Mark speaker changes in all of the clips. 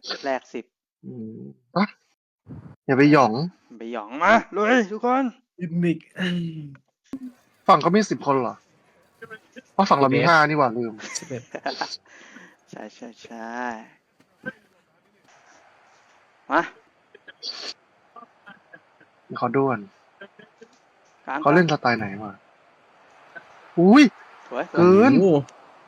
Speaker 1: แลก10
Speaker 2: อืมอ่ะอย่าไปหยอง
Speaker 1: ไปหยองมาลุยทุกคน
Speaker 3: ยิมมิก
Speaker 2: ฝั่งเขามี10 คนเหรอเพราะฝั่งเรามี5นี่หว่าลืม
Speaker 3: 11
Speaker 1: ใช่มา
Speaker 2: เขาด้วน
Speaker 1: กลาง
Speaker 2: เขาเล่นสไตล์ไหนวะอุ้ย
Speaker 1: สวย
Speaker 2: เกิน
Speaker 3: โอ้โห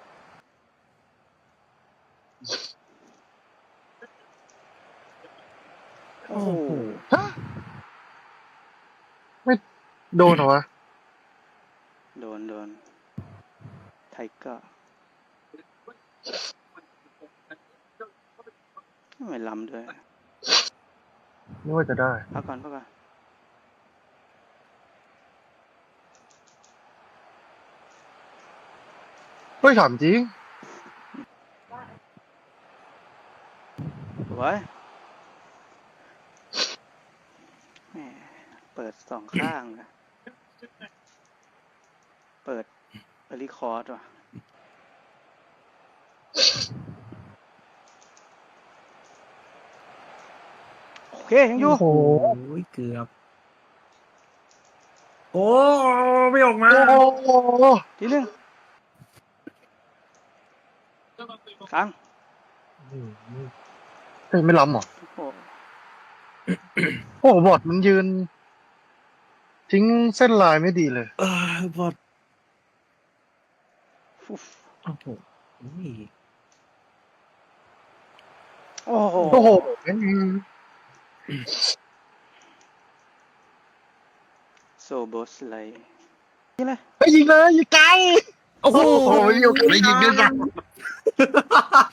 Speaker 1: โอ้โห
Speaker 2: ฮะไม่โดนเหรอวะ
Speaker 1: โดนไทเกอร์ไม่ล้ำด้วย
Speaker 2: ไม่ว่าจะได้
Speaker 1: พักก่อน
Speaker 2: เฮ้ยถามจริง
Speaker 1: สวยแหมเปิด2 ข้างนะเปิดรีคอร์ดว่ะโอเคยังอยู่
Speaker 2: โอ้โห
Speaker 3: โอ้ยเกือบ โอ้ไม่ออกมา
Speaker 2: โอ้โห
Speaker 1: ทีหนึ่งกลาง
Speaker 2: เฮ้ยไม่ล้ำเหรอ
Speaker 1: โอ้โห
Speaker 2: โอ้โหบอดมันยืน ทิ้งเส้นลายไม่ดีเลย
Speaker 3: บอด
Speaker 1: ฟุ๊บ
Speaker 3: โอ้โหนี่
Speaker 1: โอ้โห
Speaker 2: โอ้โห
Speaker 1: โซโบสไลนี่เลย
Speaker 2: ไปยิงเลยยิงไกล
Speaker 3: โอ้โห
Speaker 2: โอ้โหอยู่ไกลยิงด้วยกัน